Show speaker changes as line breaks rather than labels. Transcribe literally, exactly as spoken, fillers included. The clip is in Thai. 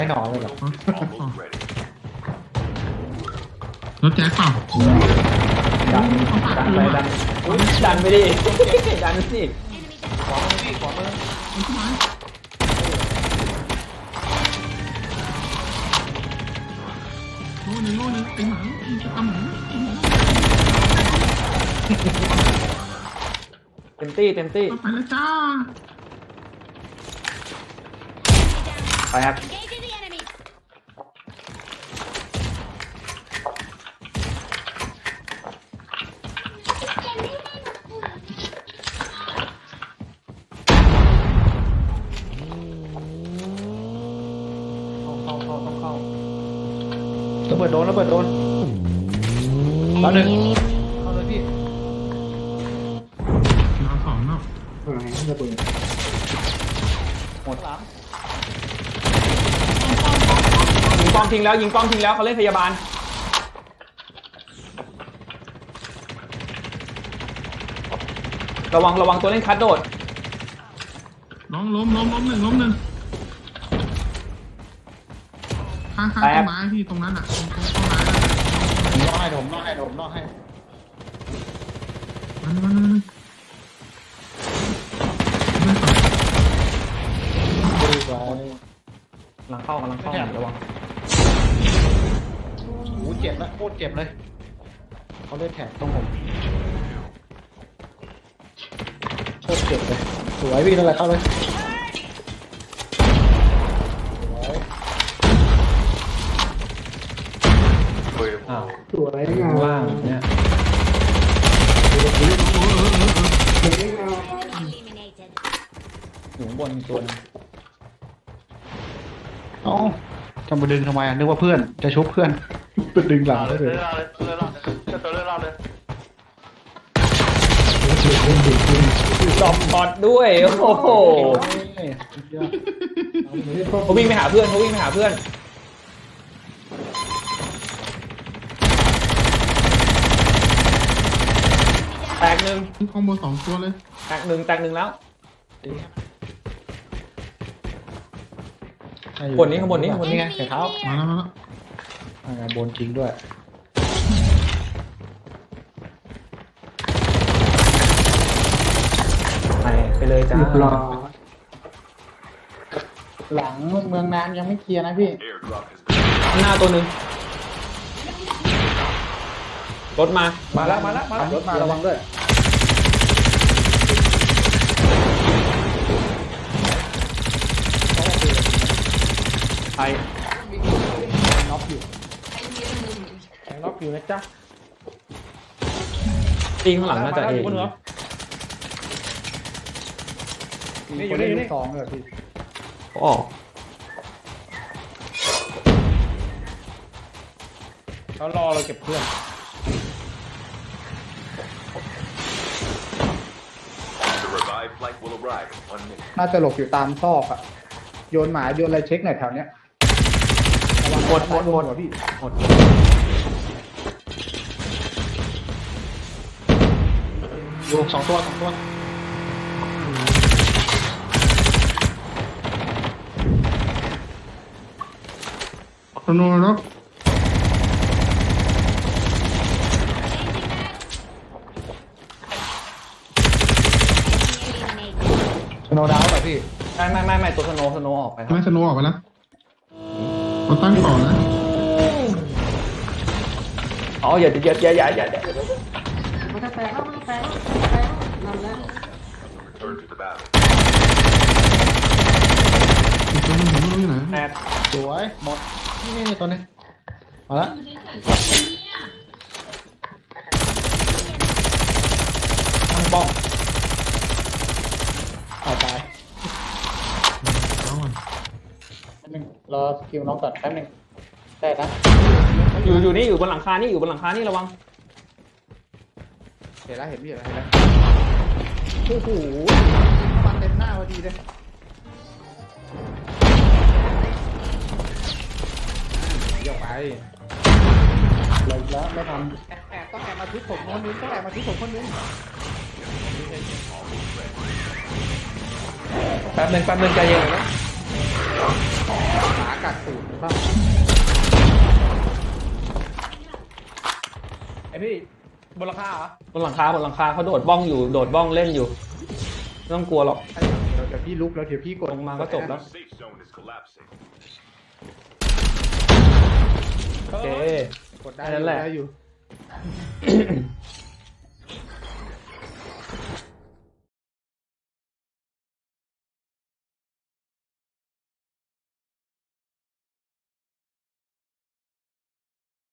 ไม่นอนเลยหรอ
รถแจ๊คเปล่า
ดันดันไปดันดันไปดิดันสิขวามือพี่ขวามือ
โน่นนี่โน่นนี่ไอ้หมาจะทำหมา
เต็มที่เต็มที่
ไปแล้วจ้า
ไปครับระเบิดโดนระเบิดโดนตอนหนึ่งเข้าเลยพี่
เราสองเนาะ
อะไรระเบิดหมดหลังยิงป้อมทิ้งแล้วยิงป้อมทิ้งแล้วเขาเล่นพยาบาลระวังระวังตัวเล่นคัดโดด
ล้มล้มล้มล้มหนึ่งล้มหนึ่งข้างข้างต้นไม้พี่ตรงนั้นอ่ะตรงต้นไม้
ผมล่อให้ผมล่อให้ผมล่อให้
มันมันมัน
หลังเข้ากำลังเข้าระวังโอ้เจ็บแล้วโคตรเจ็บเลยเขาเล่นแถบตรงผมโคตรเจ็บเลยสวยพี่นั่นแหละเข้าเลยอ้าวสวยงามล่างเนี่ยอยู่บนตัวนึงเอ้าจะมาดึงทำไมอ่ะนึกว่าเพื่อนจะชุบเพื่อนไปดึงหลังเลยเลยเลยเลยเลยตัวเลยเลยหลบพอดด้วยโอ้โหเขาวิ่งไปหาเพื่อนเขาวิ่งไปหาเพื่อนแตกหนึ่ง
คอมโบสองตัวเลย
แตกหนึ่งแตกหนึ่งแล้วบนนี้ข้างบนนี้ข้างบนนี้ไงใส่เท้า
มาแล้วมา
แล้วบนจริงด้วยไปไปเลยจ้าหลังเมืองน้ำยังไม่เคลียร์นะพี่หน้าตัวหนึ่งรถมามาแล้วมาแล้วมาแล้วรถมาระวังด้วยไอ้น็อกอยู่น็อกอยู่นะจ๊ะตีข้างหลังน่าจะเองนี่อยู่นี่นี่สองเลยพี่อ๋อเขารอเราเก็บเพื่อนน่าจะหลบอยู่ตามซอกอะโยนหมาโยนอะไรเช็คหน่อยแถวเนี้ยหมดหมดหมดพี่หมดอยู่สองตัวสองตัว
สโนว์แล้ว
สโนว์ดาวเหรอพี่ไม่ไม่ไม่ไม่ตัวสโนว์สโนว์ออกไป
ไม่สโนว์ออกไปแล้วเราตั้งก่อนนะ
อ๋ออย่าอย่าอย่าอย่าอย่า
มันจะแตกแล้วมันจะแตกแตกนั่นแหละ
อีกตัวนึงไม่รู้อยู่ไหน
แตกสวยหมดนี่นี่ตัวนี้มาละตั้งป้องตายตายหนึ่งรอสกิลน้องก่อนแป๊บนึงได้นะอยู่อยู่นี่อยู่บนหลังคานี่อยู่บนหลังคานี่ระวังเห็นแล้วเห็นพี่เห็นแล้วเห็นแล้วโอ้โหฟันเต็มหน้าพอดีเลยยกไปเลยแล้วไม่ทำแอบต้องแอบมาทุบผมคนนึงต้องแอบมาทุบผมคนนึงแป๊บนึงแป๊บนึงใจเย็นนะหมากัดตูดบ้าง
ไอพี่บนราคาเหรอบ
นหลังคาบนหลังคาเขาโดดบ้องอยู่โดดบ้องเล่นอยู่ไม่ต้องกลัวหรอก
เดี๋ยวเดี๋ยวพี่ลุกแล้วเดี๋ยวพี่กด
ลงมาก็จบแล้ว
Safe zone is collapsing.
โอเค
กดได้
แค่นั้นแหละ
ได้อยู่